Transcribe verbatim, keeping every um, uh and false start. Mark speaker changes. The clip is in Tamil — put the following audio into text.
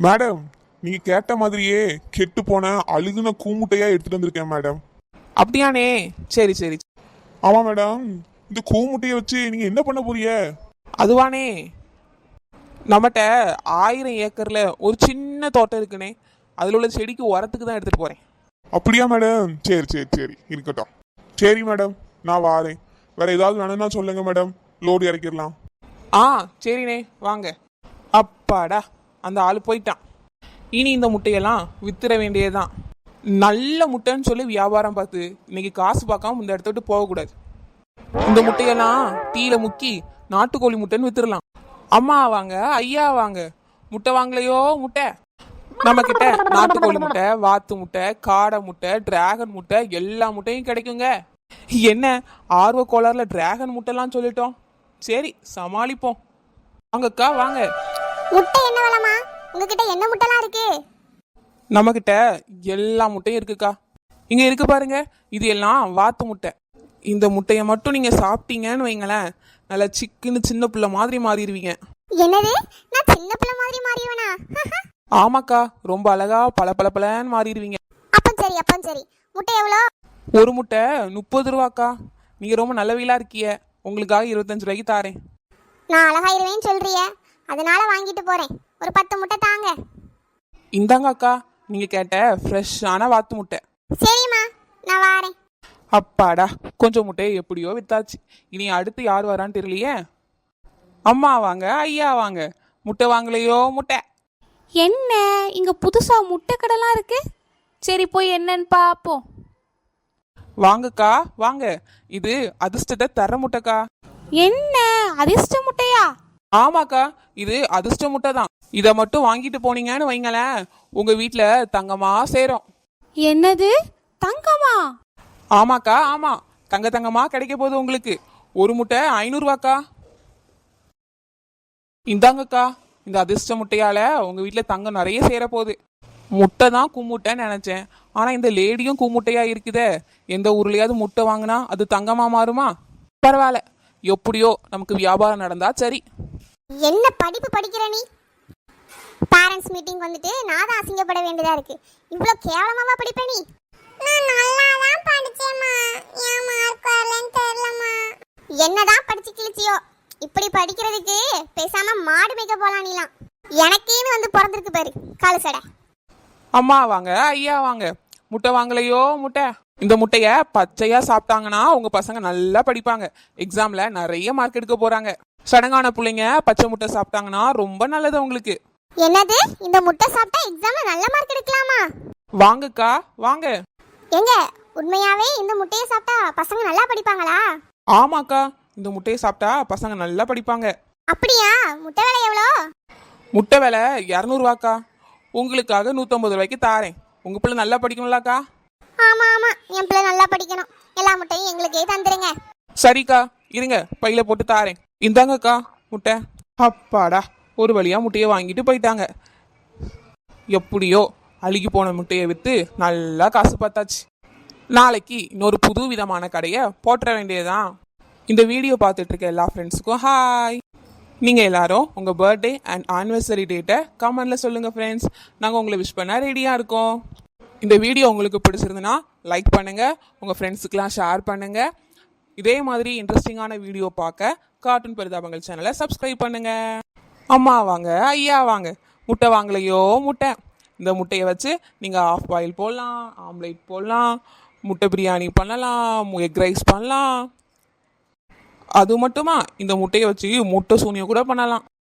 Speaker 1: மேடம், நீங்க கேட்ட மாதிரியே கெட்டு போன அழுகுன கூமுட்டையா எடுத்துட்டு வந்திருக்கேன் மேடம்.
Speaker 2: அப்படியானே? சரி சரி.
Speaker 1: ஆமா மேடம், இந்த கூமுட்டையை வச்சு நீங்க என்ன பண்ண போறீங்க?
Speaker 2: அதுவானே, நம்மகிட்ட ஆயிரம் ஏக்கர்ல ஒரு சின்ன தோட்டம் இருக்குனே, அதில் உள்ள செடிக்கு உரத்துக்கு தான் எடுத்துட்டு போறேன்.
Speaker 1: அப்படியா மேடம்? சரி சரி சரி, இருக்கட்டும். சரி மேடம், நான் வாரேன். வேற ஏதாவது வேணும்னா சொல்லுங்க மேடம், லோடு இறக்கிடலாம்.
Speaker 2: ஆ சரிண்ணே, வாங்க. அப்பாடா, அந்த ஆள் போயிட்டான். இனி இந்த முட்டையெல்லாம் வித்துற வேண்டியதுதான். நல்ல முட்டைன்னு சொல்லி வியாபாரம் பார்த்து இன்னைக்கு காசு பார்க்காம இந்த இடத்த விட்டு போகக்கூடாது. இந்த முட்டையெல்லாம் டீல முக்கி நாட்டுக்கோழி முட்டைன்னு வித்துடலாம். அம்மா வாங்க, ஐயா வாங்க, முட்டை வாங்கலையோ முட்டை. நம்ம கிட்ட நாட்டுக்கோழி முட்டை, வாத்து முட்டை, காடை முட்டை, டிராகன் முட்டை, எல்லா முட்டையும் கிடைக்குங்க. என்ன ஆர்வ கோளாறுல டிராகன் முட்டைலாம் சொல்லிட்டோம். சரி, சமாளிப்போம். வாங்கக்கா வாங்க.
Speaker 3: முட்டை என்ன விலைமா? உங்ககிட்ட என்ன முட்டைலாம் இருக்கு?
Speaker 2: நம்ம கிட்ட எல்லா முட்டையும் இருக்குக்கா. இங்க இருக்கு பாருங்க, இது எல்லாம் வாத்து முட்டை. இந்த முட்டையை மட்டும் நீங்க சாப்பிட்டீங்கன்னு வைங்களேன், நல்லா சிக்குன்னு சின்ன பிள்ளை மாதிரி மாறிடுவீங்க.
Speaker 3: என்னது? நான் சின்ன பிள்ளை மாதிரி மாறிடுவேனா?
Speaker 2: ஆமாக்கா, ரொம்ப அழகா பல பல பலன்னு மாறிடுவீங்க.
Speaker 3: அப்ப சரி, அப்ப சரி. முட்டை எவ்வளோ?
Speaker 2: ஒரு முட்டை முப்பது ரூபாக்கா. நீங்க ரொம்ப நல்லவீலா இருக்கிய, உங்களுக்காக இருபத்தஞ்சு ரூபாய்க்கு தாரேன்.
Speaker 3: நான் அழகாயிருவேன்னு சொல்றிய, அதனால வாங்கிட்டு போறேன். ஒரு பத்து முட்டை தாங்க.
Speaker 2: இந்தாங்க அக்கா, நீங்க கேட்ட ஃப்ரெஷ்ஷான வாத்து முட்டை.
Speaker 3: சரிம்மா, நான் வாரேன்.
Speaker 2: அப்பாடா, கொஞ்சம் முட்டையை எப்படியோ வித்தாச்சு. இனி அடுத்து யார் வரான்னு தெரியலையே. அம்மா வாங்க, ஐயா வாங்க, முட்டை வாங்கலையோ முட்டை.
Speaker 4: என்ன இங்க புதுசா முட்டை கடைலாம் இருக்கு? சரி, போய் என்னன்னு பாப்போம்.
Speaker 2: வாங்கக்கா வாங்க, இது அதிர்ஷ்டத்தை தர முட்டைக்கா.
Speaker 4: என்ன அதிர்ஷ்ட முட்டையா?
Speaker 2: ஆமாக்கா, இது அதிர்ஷ்ட முட்டை தான். இதை மட்டும் வாங்கிட்டு போனீங்கன்னு வைங்களேன், உங்க வீட்டுல தங்கமா சேரும்.
Speaker 4: என்னது, தங்கமா?
Speaker 2: ஆமாக்கா ஆமா, தங்க தங்கமா கிடைக்க போகுது உங்களுக்கு. ஒரு முட்டை ஐநூறு ரூபாக்கா. இந்தாங்கக்கா, இந்த அதிர்ஷ்ட முட்டையால உங்க வீட்டுல தங்கம் நிறைய சேர போகுது. முட்டை தான் கும்முட்டைன்னு நினைச்சேன், ஆனா இந்த லேடியும் கும்முட்டையா இருக்குதே. எந்த ஊர்லயாவது முட்டை வாங்கினா அது தங்கமா மாறுமா? பரவாயில்ல, எப்படியோ நமக்கு வியாபாரம் நடந்தா சரி.
Speaker 3: என்ன படிப்பு படிக்கிற நீ? பேரண்ட்ஸ் மீட்டிங் வந்துட்டு நான் தான் அசிங்கப்பட வேண்டியதா இருக்கு. இவ்வளோ கேவலமாவா படிப்ப நீ? நான் நல்லா தான் படிச்சேம்மா, ஏன் மார்க் வரலன்னு தெரியலம்மா. என்னதான் படிச்சு கிழிச்சியோ, இப்படி படிக்கிறதுக்கு பேசாம மாடு மேய்க்க போலாம் நீலாம். எனக்கேன்னு வந்து பிறந்திருக்கு பாரு காலு சடை.
Speaker 2: அம்மா வாங்க, ஐயா வாங்க, முட்டை வாங்கலையோ முட்டை. இந்த முட்டைய பச்சையா சாப்பிட்டாங்கன்னா உங்க பசங்க நல்லா படிப்பாங்க, எக்ஸாம்ல நிறைய மார்க் எடுக்க போறாங்க. சடங்கான பிள்ளைங்க பச்சை முட்டை சாப்பிட்டாங்கன்னா ரொம்ப நல்லது உங்களுக்கு.
Speaker 3: என்னது, இந்த முட்டை சாப்பிட்டா எக்ஸாம்ல நல்ல மார்க் எடுக்கலாமா?
Speaker 2: வாங்கக்கா வாங்க.
Speaker 3: எங்க உண்மையாவே இந்த முட்டையை சாப்பிட்டா பசங்க நல்லா படிப்பாங்களா?
Speaker 2: ஆமாக்கா, இந்த முட்டையை சாப்பிட்டா பசங்க நல்லா படிப்பாங்க.
Speaker 3: அப்படியா? முட்டை விலை எவ்வளோ?
Speaker 2: முட்டை விலை இரநூறுவாக்கா. உங்களுக்காக நூற்றம்பது ரூபாய்க்கு தாரேன். உங்க பிள்ளை நல்லா படிக்கணும்லாக்கா?
Speaker 3: ஆமா ஆமா, என் பிள்ளை நல்லா படிக்கணும். எல்லா முட்டையும் எங்களுக்கே தந்துருங்க.
Speaker 2: சரிக்கா, இருங்க பையில போட்டு தாரேன். இந்தாங்கக்கா முட்டை. அப்பாடா, ஒரு வழியா முட்டையை வாங்கிட்டு போயிட்டாங்க. எப்படியோ அழுகி போன முட்டையை விற்று நல்லா காசு பார்த்தாச்சு. நாளைக்கு இன்னொரு புது விதமான கடையை போட்டுற வேண்டியதுதான். இந்த வீடியோ பார்த்துட்டு இருக்க எல்லா ஃப்ரெண்ட்ஸுக்கும் ஹாய். நீங்கள் எல்லாரும் உங்கள் பர்த்டே அண்ட் ஆனிவர்சரி டேட்டை கமெண்ட்ல சொல்லுங்கள் ஃப்ரெண்ட்ஸ். நாங்கள் உங்களை விஷ் பண்ண ரெடியாக இருக்கோம். இந்த வீடியோ உங்களுக்கு பிடிச்சிருந்துன்னா லைக் பண்ணுங்கள், உங்கள் ஃப்ரெண்ட்ஸுக்கெலாம் ஷேர் பண்ணுங்கள். இதே மாதிரி இன்ட்ரெஸ்டிங்கான வீடியோ பார்க்க கார்ட்டூன் பரிதாபங்கள் சேனலை சப்ஸ்கிரைப் பண்ணுங்கள். அம்மா வாங்க, ஐயா வாங்க, முட்டை வாங்கலையோ முட்டை. இந்த முட்டையை வச்சு நீங்கள் ஆஃப் பாயில் போடலாம், ஆம்லேட் போடலாம், முட்டை பிரியாணி பண்ணலாம், எக் ரைஸ் பண்ணலாம். அது மட்டுமா, இந்த முட்டையை வச்சு முட்டை சூனியம் கூட பண்ணலாம்.